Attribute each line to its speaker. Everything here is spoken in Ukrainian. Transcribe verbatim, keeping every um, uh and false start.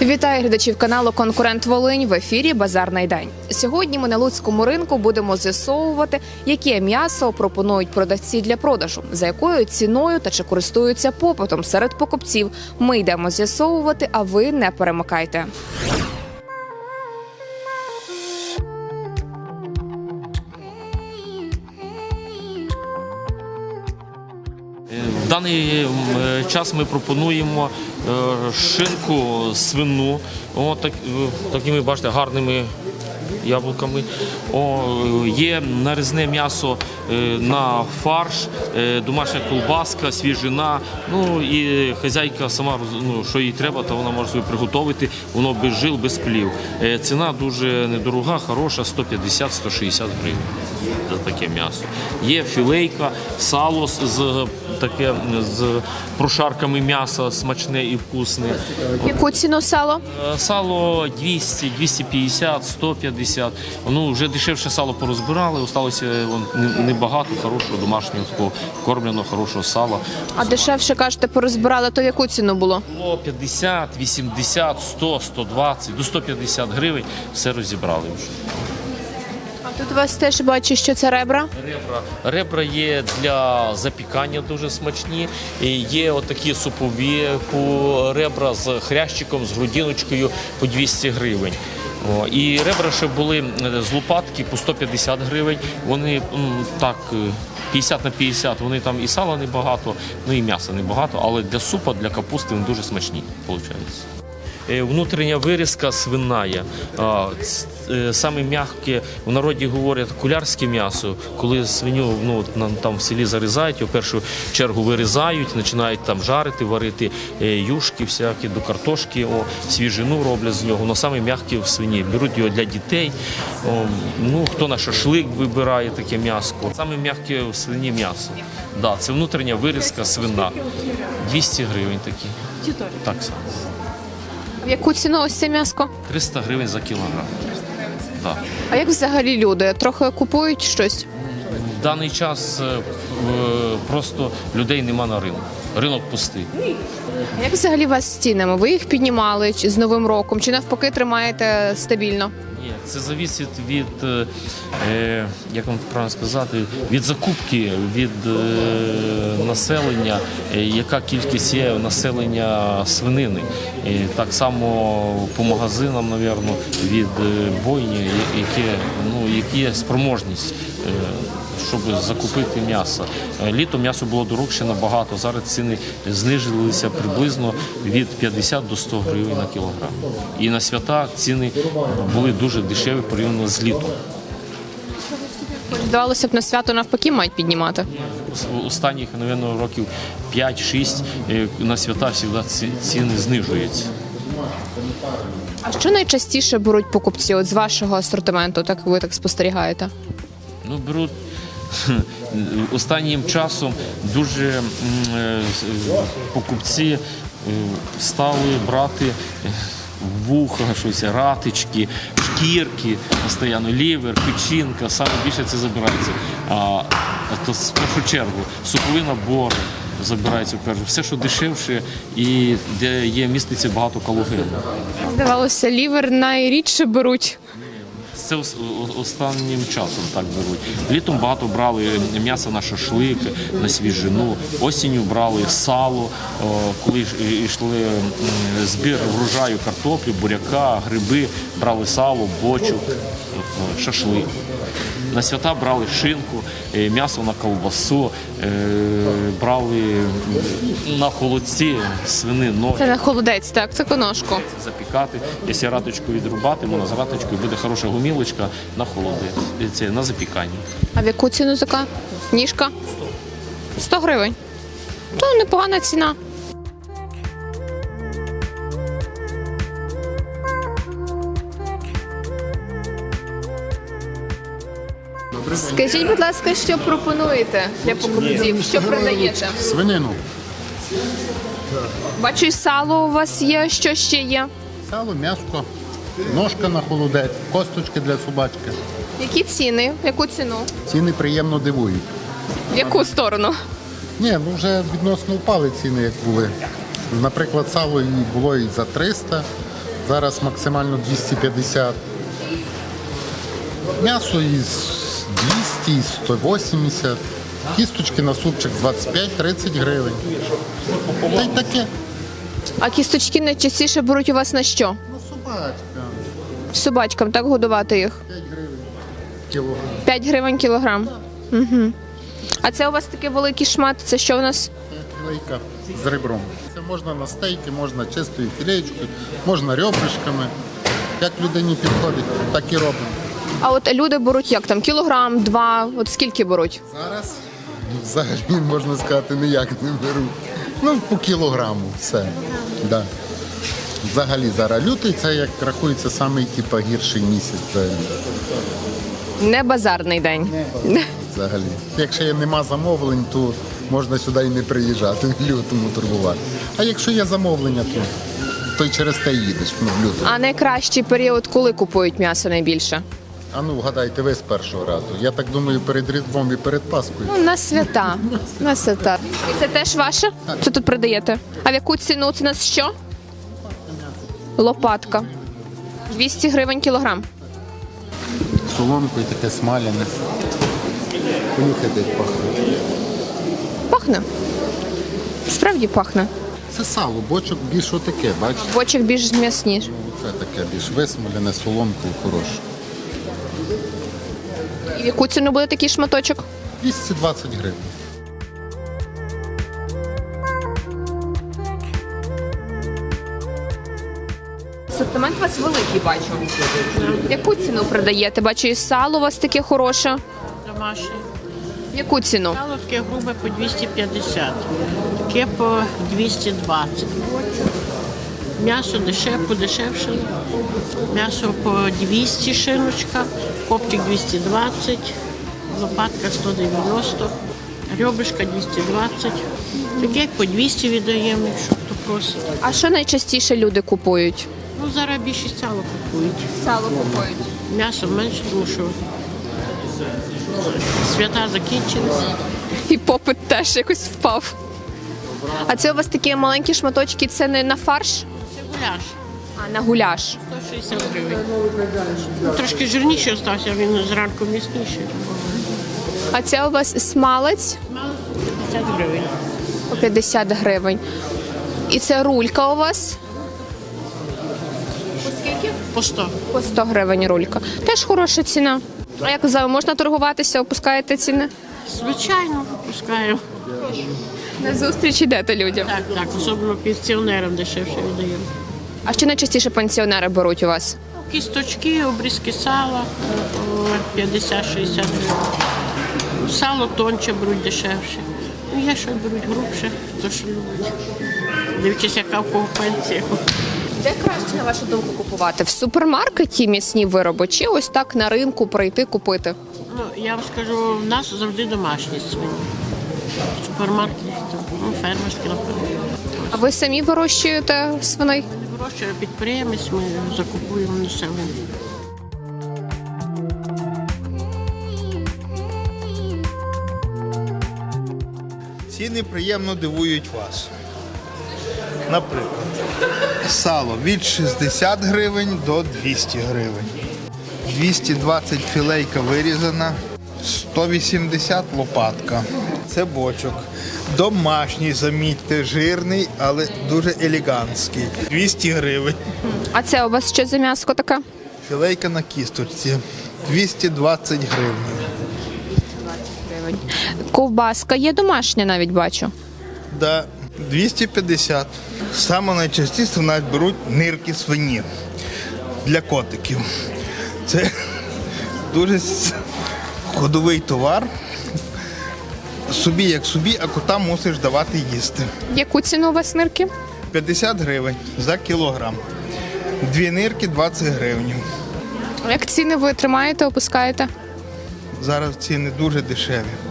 Speaker 1: Вітаю глядачів каналу «Конкурент Волинь», в ефірі «Базарний день». Сьогодні ми на Луцькому ринку будемо з'ясовувати, яке м'ясо пропонують продавці для продажу, за якою ціною та чи користуються попитом серед покупців. Ми йдемо з'ясовувати, а ви не перемикайте.
Speaker 2: В даний час ми пропонуємо шинку свину, о, так, такими, бачите, гарними яблуками. О, є нарізне м'ясо на фарш, домашня колбаска, свіжина. Ну і хазяйка сама, ну, що їй треба, то вона може собі приготувати. Воно без жил, без плів. Ціна дуже недорога, хороша, сто п'ятдесят - сто шістдесят гривень за таке м'ясо. Є філейка, сало з таке з прошарками м'яса, смачне і вкусне.
Speaker 1: Яку ціну сало?
Speaker 2: Сало двісті, двісті п'ятдесят, сто п'ятдесят. Ну, вже дешевше сало порозбирали, осталося небагато хорошого домашнього такого кормленого, хорошого сала.
Speaker 1: А дешевше, кажете, порозбирали, то яку ціну було?
Speaker 2: Було п'ятдесят, вісімдесят, сто, сто двадцять, до сто п'ятдесят гривень все розібрали вже.
Speaker 1: А тут у вас теж бачу, що це ребра?
Speaker 2: Ребра. Ребра є для запікання дуже смачні. І є отакі супові по ребра з хрящиком, з грудиночкою по двісті гривень. О, і ребра ще були з лопатки по сто п'ятдесят гривень. Вони м, так п'ятдесят на п'ятдесят, вони там і сала небагато, ну і м'яса небагато, але для супа, для капусти вони дуже смачні, виходить. Внутрішня вирізка свиная, саме м'яке, в народі говорять кулярське м'ясо, коли свиню, ну, там в селі зарізають, в першу чергу вирізають, починають там жарити, варити юшки всякі, до картошки, о, свіжину роблять з нього, воно саме м'яке в свині, беруть його для дітей, о, ну, хто на шашлик вибирає таке м'ясо, саме м'яке в свині м'ясо, да, це внутрішня вирізка свина, двісті гривень такі, так само.
Speaker 1: В яку ціну ось це м'яско?
Speaker 2: триста гривень за кілограм. Да.
Speaker 1: А як взагалі люди? Трохи купують щось?
Speaker 2: В даний час е, просто людей нема на ринку. Ринок пустий.
Speaker 1: Як взагалі у вас з цінами? Ви їх піднімали чи з Новим роком? Чи навпаки тримаєте стабільно?
Speaker 2: Ні, це залежить від, е, як вам правильно сказати, від закупки, від е, населення, е, яка кількість є населення свинини. І так само по магазинам, мабуть, від е, бойні, які, ну, які є спроможність, е, щоб закупити м'ясо. Літом м'ясо було дорожче набагато, зараз ціни знизилися приблизно від п'ятдесят до ста гривень на кілограм. І на свята ціни були дуже дешеві порівняно з літом.
Speaker 1: Здавалося б, на свято навпаки мають піднімати.
Speaker 2: Останніх, мабуть, років п'ять-шість на свята завжди ціни знижуються.
Speaker 1: А що найчастіше беруть покупці от з вашого асортименту, так ви так спостерігаєте?
Speaker 2: Ну, беруть останнім часом дуже покупці стали брати вуха, щось, ратички, шкірки, постійно лівер, печінка, саме більше це забирається. А то в першу чергу супові набори забирається в першу. Все, що дешевше і де є міститься багато калогену.
Speaker 1: Здавалося, лівер найрідше беруть.
Speaker 2: Це останнім часом так беруть. Літом багато брали м'ясо на шашлик, на свіжину. Осінню брали сало, коли йшли збір врожаю картоплі, буряка, гриби, брали сало, бочу, шашлик. На свята брали шинку, м'ясо на ковбасу, брали на холодці свинину.
Speaker 1: Це на холодець, так, це коношку.
Speaker 2: Запікати. Якщо раточку відрубати, можна з раточкою буде хороша гумілочка на холодець, це на запікання.
Speaker 1: А в яку ціну така ніжка? сто гривень. То непогана ціна. Скажіть, будь ласка, що пропонуєте для покупців? Що продаєте?
Speaker 3: Свинину.
Speaker 1: Бачу, і сало у вас є, що ще є?
Speaker 3: Сало, м'яско, ножка на холодець, косточки для собачки.
Speaker 1: Які ціни? Яку ціну?
Speaker 3: Ціни приємно дивують.
Speaker 1: В яку сторону?
Speaker 3: Ні, ну вже відносно впали ціни, як були. Наприклад, сало і було і за триста, Зараз максимально двісті п'ятдесят. М'ясо із двісті, із сто вісімдесят. Кісточки на супчик двадцять п'ять - тридцять гривень. Та й таке.
Speaker 1: А кісточки найчастіше беруть у вас на що?
Speaker 3: Ну, собачка.
Speaker 1: Собачкам, так годувати їх?
Speaker 3: п'ять гривень кілограм.
Speaker 1: п'ять гривень кілограм. Угу. А це у вас такий великий шмат, це що у нас?
Speaker 3: Філейка з ребром. Це можна на стейки, можна чистою філеєчкою, можна ребришками. Як людині підходить, так і робимо.
Speaker 1: А от люди беруть як там, кілограм, два, от скільки беруть?
Speaker 3: Зараз взагалі, можна сказати, ніяк не беруть. Ну, по кілограму, все. Да. Взагалі зараз лютий, це як рахується самий типу, гірший місяць взагалі.
Speaker 1: Не базарний день.
Speaker 3: взагалі. Якщо нема замовлень, то можна сюди і не приїжджати в лютому торгувати. А якщо є замовлення, то, то й через те їдеш ну, в лютому.
Speaker 1: А найкращий період, коли купують м'ясо найбільше?
Speaker 3: А ну вгадайте ви з першого разу. Я так думаю, перед Різдвом і перед Паскою.
Speaker 1: Ну, на свята. На свята. І це теж ваше? Це тут продаєте? А в яку ціну це у нас що? Лопатка. двісті гривень кілограм.
Speaker 3: Соломкою таке смаляне. Понюхайте, як пахне.
Speaker 1: Пахне. Справді пахне.
Speaker 3: Це сало, бочок більш отаке, бачите?
Speaker 1: Бочок більш м'ясніше.
Speaker 3: Це таке більш висмолене, соломкою хороше.
Speaker 1: І в яку ціну буде такий шматочок?
Speaker 3: двісті двадцять гривень.
Speaker 1: Асортимент у вас великий, бачу. Яку ціну продаєте? Бачу, і сало у вас таке хороше.
Speaker 4: Домашнє.
Speaker 1: Яку ціну?
Speaker 4: Сало таке грубе по двісті п'ятдесят, таке по двісті двадцять. М'ясо дешев, подешевшало. М'ясо по двісті шиночка, копчик двісті двадцять, лопатка сто дев'яносто, ребрышка двісті двадцять. Таке по двісті віддаємо, якщо хто просить.
Speaker 1: А що найчастіше люди купують?
Speaker 4: Ну, зараз більшість сало купують.
Speaker 1: Сало купують.
Speaker 4: М'ясо менше, тому що свята закінчилися.
Speaker 1: І попит теж якось впав. А це у вас такі маленькі шматочки, це не на фарш,
Speaker 4: Це гуляш.
Speaker 1: а на гуляш.
Speaker 4: сто шістдесят гривень. Ну, трошки жирніший остався, він зранку м'ясніший.
Speaker 1: А це у вас смалець
Speaker 4: Мало п'ятдесят гривень.
Speaker 1: по п'ятдесят гривень. І це рулька у вас
Speaker 4: По сто.
Speaker 1: по сто гривень рулька. Теж хороша ціна. А як за можна торгуватися, опускаєте ціни?
Speaker 4: Звичайно, випускаємо.
Speaker 1: На зустріч йдете людям.
Speaker 4: Так, так, особливо пенсіонерам дешевше віддаємо.
Speaker 1: А що найчастіше пенсіонери беруть у вас?
Speaker 4: Кісточки, обрізки сала по п'ятдесят-шістдесят гривень. Сало тонче беруть дешевше. Ну, є, що беруть грубше, то що любить. Дивлячись, яка в кого пенсія.
Speaker 1: Де краще, на вашу думку, купувати? В супермаркеті м'ясні вироби чи ось так на ринку прийти купити?
Speaker 4: Ну, я вам скажу, в нас завжди домашні свині. В супермаркеті, ну, фермерські, напевно.
Speaker 1: А ви самі вирощуєте свиней?
Speaker 4: Не вирощує підприємець, ми закупуємо населення.
Speaker 5: Ціни приємно дивують вас. Наприклад, сало від шістдесят гривень до двісті гривень. двісті двадцять філейка вирізана, сто вісімдесят лопатка. Це бочок. Домашній, замітьте, жирний, але дуже елегантський. двісті гривень.
Speaker 1: А це у вас що за м'яско таке?
Speaker 5: Філейка на кісточці. двісті двадцять гривень.
Speaker 1: Гривень. Ковбаска є домашня, навіть бачу.
Speaker 5: Да, двісті п'ятдесят. Саме найчастіше в нас беруть нирки свині для котиків. Це дуже с- ходовий товар. Собі як собі, а котам мусиш давати їсти.
Speaker 1: Яку ціну у вас нирки?
Speaker 5: п'ятдесят гривень за кілограм. Дві нирки двадцять гривень.
Speaker 1: Як ціни ви тримаєте, опускаєте?
Speaker 5: Зараз ціни дуже дешеві.